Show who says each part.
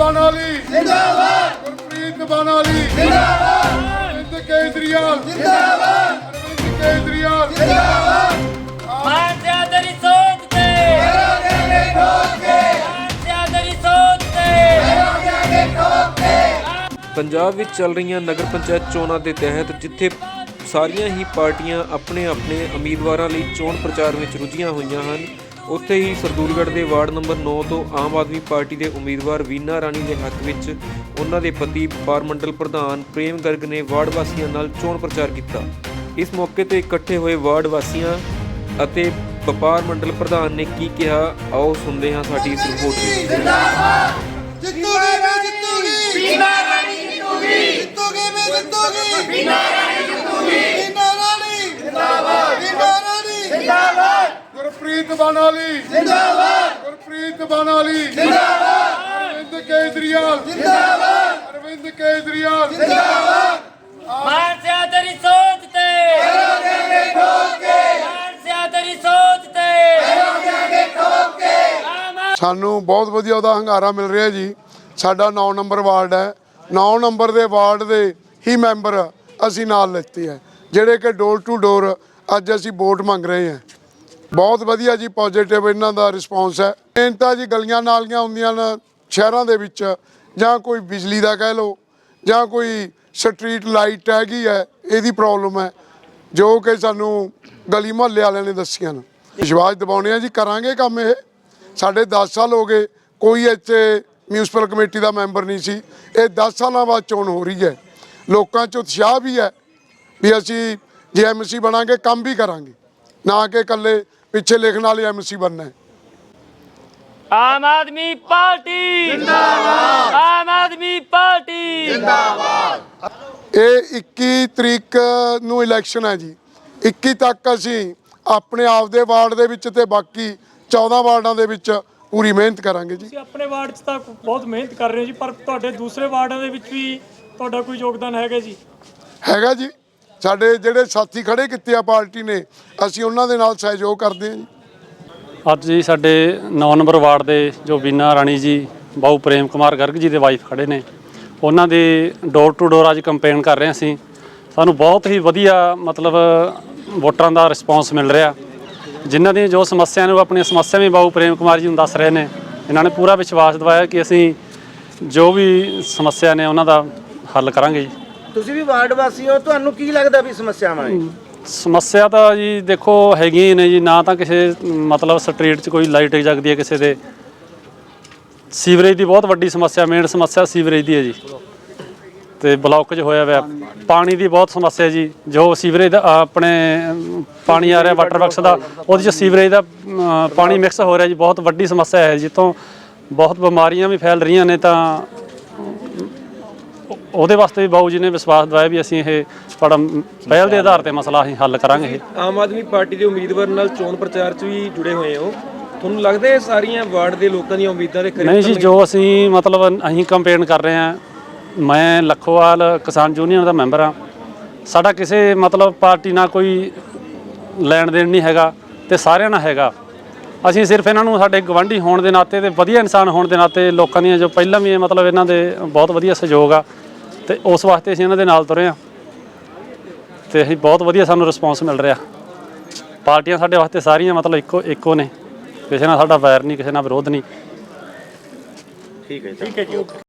Speaker 1: बनाली जिंदाबाद, गुरप्रीत बनाली जिंदाबाद, अरविंद केजरीवाल जिंदाबाद, अरविंद केजरीवाल जिंदाबाद।
Speaker 2: पंजाब विच चल रही नगर पंचायत चोणां के तहत जिथे सारियां ही पार्टियां अपने अपने उम्मीदवारों लिए चोण प्रचार में रुझियां हुई हैं, उत्थे ही सरदूलगढ़ के वार्ड नंबर 9 तो आम आदमी पार्टी के उम्मीदवार वीना राणी के हक में उन्हों के पति पारमंडल प्रधान प्रेम गर्ग ने वार्ड वासियों नाल चोण प्रचार किया। इस मौके पर इकट्ठे हुए वार्ड वासियों अते वपार मंडल प्रधान ने की कहा, आओ सुनते हैं साडी इस रिपोर्ट
Speaker 1: गुरप्रीत बनाली जिंदाबाद, गुरप्रीत बनाली जिंदाबाद, अरविंद केजरीवाल जिंदाबाद, अरविंद केजरीवाल जिंदाबाद। ਸਾਨੂੰ ਬਹੁਤ ਵਧੀਆ ਉਹਦਾ ਹੰਗਾਰਾ ਮਿਲ ਰਿਹਾ ਜੀ। ਸਾਡਾ 9 ਨੰਬਰ ਵਾਰਡ ਹੈ, 9 ਨੰਬਰ ਦੇ ਵਾਰਡ ਦੇ ਹੀ ਮੈਂਬਰ ਅਸੀਂ ਨਾਲ ਲਿੱਤੇ ਹੈ, ਜਿਹੜੇ ਕਿ ਡੋਰ ਟੂ ਡੋਰ ਅੱਜ ਅਸੀਂ ਵੋਟ ਮੰਗ ਰਹੇ ਹਾਂ। ਬਹੁਤ ਵਧੀਆ ਜੀ, ਪੋਜ਼ਿਟਿਵ ਇਹਨਾਂ ਦਾ ਰਿਸਪੌਂਸ ਹੈ। ਮੇਨ ਤਾਂ ਜੀ ਗਲੀਆਂ ਨਾਲੀਆਂ ਹੁੰਦੀਆਂ ਨੇ ਸ਼ਹਿਰਾਂ ਦੇ ਵਿੱਚ, ਜਾਂ ਕੋਈ ਬਿਜਲੀ ਦਾ ਕਹਿ ਲਓ, ਜਾਂ ਕੋਈ ਸਟਰੀਟ ਲਾਈਟ ਹੈਗੀ ਹੈ, ਇਹਦੀ ਪ੍ਰੋਬਲਮ ਹੈ, ਜੋ ਕਿ ਸਾਨੂੰ ਗਲੀ ਮੁਹੱਲੇ ਵਾਲਿਆਂ ਨੇ ਦੱਸੀਆਂ ਨੇ। ਵਿਸ਼ਵਾਸ ਦਿਵਾਉਂਦੇ ਹਾਂ ਜੀ, ਕਰਾਂਗੇ ਕੰਮ। ਇਹ ਸਾਡੇ 10 ਸਾਲ ਹੋ ਗਏ, ਕੋਈ ਇੱਥੇ ਮਿਊਨਿਸਪਲ ਕਮੇਟੀ ਦਾ ਮੈਂਬਰ ਨਹੀਂ ਸੀ। ਇਹ 10 ਸਾਲਾਂ ਬਾਅਦ ਚੋਣ ਹੋ ਰਹੀ ਹੈ। ਲੋਕਾਂ 'ਚ ਉਤਸ਼ਾਹ ਵੀ ਹੈ ਵੀ ਅਸੀਂ ਜੇ ਐਮਸੀ ਬਣਾਂਗੇ ਕੰਮ ਵੀ ਕਰਾਂਗੇ, ਨਾ ਕਿ ਇਕੱਲੇ ਪਿੱਛੇ ਲਿਖਣ ਵਾਲੇ ਐਮਸੀ ਬਣਨਾ ਹੈ।
Speaker 3: आम आदमी पार्टी जिंदाबाद, आम आदमी पार्टी जिंदाबाद।
Speaker 1: ਇਹ 21 ਤਰੀਕ ਨੂੰ ਇਲੈਕਸ਼ਨ ਹੈ ਜੀ। 21 ਤੱਕ ਅਸੀਂ ਆਪਣੇ ਆਪ ਦੇ ਵਾਰਡ ਦੇ ਵਿੱਚ ਤੇ ਬਾਕੀ 14 ਵਾਰਡਾਂ ਦੇ ਵਿੱਚ ਪੂਰੀ ਮਿਹਨਤ ਕਰਾਂਗੇ ਜੀ।
Speaker 4: ਤੁਸੀਂ ਆਪਣੇ ਵਾਰਡ 'ਚ ਤਾਂ ਬਹੁਤ ਮਿਹਨਤ ਕਰ ਰਹੇ ਹੋ ਜੀ, ਪਰ ਤੁਹਾਡੇ ਦੂਸਰੇ ਵਾਰਡਾਂ ਦੇ ਵਿੱਚ ਵੀ ਤੁਹਾਡਾ ਕੋਈ ਯੋਗਦਾਨ ਹੈਗਾ ਜੀ?
Speaker 1: ਹੈਗਾ ਜੀ, ਸਾਡੇ ਜਿਹੜੇ ਸਾਥੀ ਖੜੇ ਕੀਤੇ ਆ ਪਾਰਟੀ ਨੇ, ਅਸੀਂ ਉਹਨਾਂ ਦੇ ਨਾਲ ਸਹਿਯੋਗ ਕਰਦੇ ਹਾਂ ਜੀ।
Speaker 5: ਅੱਜ ਜੀ ਸਾਡੇ 9 ਨੰਬਰ ਵਾਰਡ ਦੇ ਜੋ ਵੀਨਾ ਰਾਣੀ ਜੀ, ਬਾਊ ਪ੍ਰੇਮ ਕੁਮਾਰ ਗਰਗ ਜੀ ਦੇ ਵਾਈਫ ਖੜੇ ਨੇ, ਉਹਨਾਂ ਦੀ ਡੋਰ ਟੂ ਡੋਰ ਅੱਜ ਕੰਪੇਨ ਕਰ ਰਹੇ ਸੀ। ਸਾਨੂੰ ਬਹੁਤ ਹੀ ਵਧੀਆ ਮਤਲਬ ਵੋਟਰਾਂ ਦਾ ਰਿਸਪੌਂਸ ਮਿਲ ਰਿਹਾ। ਜਿਨ੍ਹਾਂ ਦੀਆਂ ਜੋ ਸਮੱਸਿਆ ਨੇ ਉਹ ਆਪਣੀਆਂ ਸਮੱਸਿਆ ਵੀ ਬਾਊ ਪ੍ਰੇਮ ਕੁਮਾਰ ਜੀ ਨੂੰ ਦੱਸ ਰਹੇ ਨੇ। ਇਹਨਾਂ ਨੇ ਪੂਰਾ ਵਿਸ਼ਵਾਸ ਦਿਵਾਇਆ ਕਿ ਅਸੀਂ ਜੋ ਵੀ ਸਮੱਸਿਆ ਨੇ ਉਹਨਾਂ ਦਾ ਹੱਲ ਕਰਾਂਗੇ ਜੀ।
Speaker 6: ਤੁਸੀਂ ਵੀ ਵਾਰਡ ਵਾਸੀ ਹੋ, ਤੁਹਾਨੂੰ ਕੀ ਲੱਗਦਾ ਵੀ ਸਮੱਸਿਆਵਾਂ ਨੇ?
Speaker 5: ਸਮੱਸਿਆ ਤਾਂ ਜੀ ਦੇਖੋ ਹੈਗੀਆਂ ਹੀ ਨੇ ਜੀ, ਨਾ ਤਾਂ ਕਿਸੇ ਮਤਲਬ ਸਟਰੀਟ 'ਚ ਕੋਈ ਲਾਈਟ ਜਗਦੀ ਹੈ ਕਿਸੇ ਦੇ। ਸੀਵਰੇਜ ਦੀ ਬਹੁਤ ਵੱਡੀ ਸਮੱਸਿਆ, ਮੇਨ ਸਮੱਸਿਆ ਸੀਵਰੇਜ ਦੀ ਹੈ ਜੀ, ਤੇ ਬਲੌਕੇਜ ਹੋਇਆ ਹੋਇਆ। ਪਾਣੀ ਦੀ ਬਹੁਤ ਸਮੱਸਿਆ ਜੀ, ਜੋ ਸੀਵਰੇਜ ਦਾ ਆਪਣੇ ਪਾਣੀ ਆ ਰਿਹਾ ਵਾਟਰ ਵਰਕਸ ਦਾ, ਉਹਦੇ 'ਚ ਸੀਵਰੇਜ ਦਾ ਪਾਣੀ ਮਿਕਸ ਹੋ ਰਿਹਾ ਜੀ, ਬਹੁਤ ਵੱਡੀ ਸਮੱਸਿਆ ਹੈ, ਜਿੱਥੋਂ ਬਹੁਤ ਬਿਮਾਰੀਆਂ ਵੀ ਫੈਲ ਰਹੀਆਂ ਨੇ। ਤਾਂ ਉਹਦੇ ਵਾਸਤੇ ਵੀ ਬਾਊ ਜੀ ਨੇ ਵਿਸ਼ਵਾਸ ਦਿਵਾਇਆ ਵੀ ਅਸੀਂ ਇਹ ਤੁਹਾਡਾ ਪਹਿਲ ਦੇ ਆਧਾਰ 'ਤੇ ਮਸਲਾ ਅਸੀਂ ਹੱਲ ਕਰਾਂਗੇ। ਇਹ
Speaker 2: ਆਮ ਆਦਮੀ ਪਾਰਟੀ ਦੇ ਉਮੀਦਵਾਰ ਨਾਲ ਚੋਣ ਪ੍ਰਚਾਰ 'ਚ ਵੀ ਜੁੜੇ ਹੋਏ ਹੋ, ਤੁਹਾਨੂੰ ਲੱਗਦਾ ਹੈ ਸਾਰੀਆਂ ਵਾਰਡ ਦੇ ਲੋਕਾਂ ਦੀਆਂ ਉਮੀਦਾਂ ਦੇ ਕਰੀਬ?
Speaker 5: ਨਹੀਂ ਜੀ, ਜੋ ਅਸੀਂ ਮਤਲਬ ਅਸੀਂ ਕੰਪੇਨ ਕਰ ਰਹੇ ਹਾਂ, ਮੈਂ ਲੱਖੋਵਾਲ ਕਿਸਾਨ ਯੂਨੀਅਨ ਦਾ ਮੈਂਬਰ ਹਾਂ। ਸਾਡਾ ਕਿਸੇ ਮਤਲਬ ਪਾਰਟੀ ਨਾਲ ਕੋਈ ਲੈਣ ਦੇਣ ਨਹੀਂ ਹੈਗਾ, ਤੇ ਸਾਰਿਆਂ ਨਾਲ ਹੈਗਾ। ਅਸੀਂ ਸਿਰਫ ਇਹਨਾਂ ਨੂੰ ਸਾਡੇ ਗਵਾਂਢੀ ਹੋਣ ਦੇ ਨਾਤੇ ਤੇ ਵਧੀਆ ਇਨਸਾਨ ਹੋਣ ਦੇ ਨਾਤੇ, ਲੋਕਾਂ ਦੀਆਂ ਜੋ ਪਹਿਲਾਂ ਵੀ ਮਤਲਬ ਇਹਨਾਂ ਦੇ ਬਹੁਤ ਵਧੀਆ ਸਹਿਯੋਗ ਆ, ਤੇ ਉਸ ਵਾਸਤੇ ਅਸੀਂ ਇਹਨਾਂ ਦੇ ਨਾਲ ਤੁਰੇ ਹਾਂ, ਤੇ ਅਸੀਂ ਬਹੁਤ ਵਧੀਆ ਸਾਨੂੰ ਰਿਸਪੌਂਸ ਮਿਲ ਰਿਹਾ। ਪਾਰਟੀਆਂ ਸਾਡੇ ਵਾਸਤੇ ਸਾਰੀਆਂ ਮਤਲਬ ਇੱਕੋ ਨੇ, ਕਿਸੇ ਨਾਲ ਸਾਡਾ ਵੈਰ ਨਹੀਂ, ਕਿਸੇ ਨਾਲ ਵਿਰੋਧ ਨਹੀਂ।
Speaker 6: ਠੀਕ ਹੈ ਜੀ।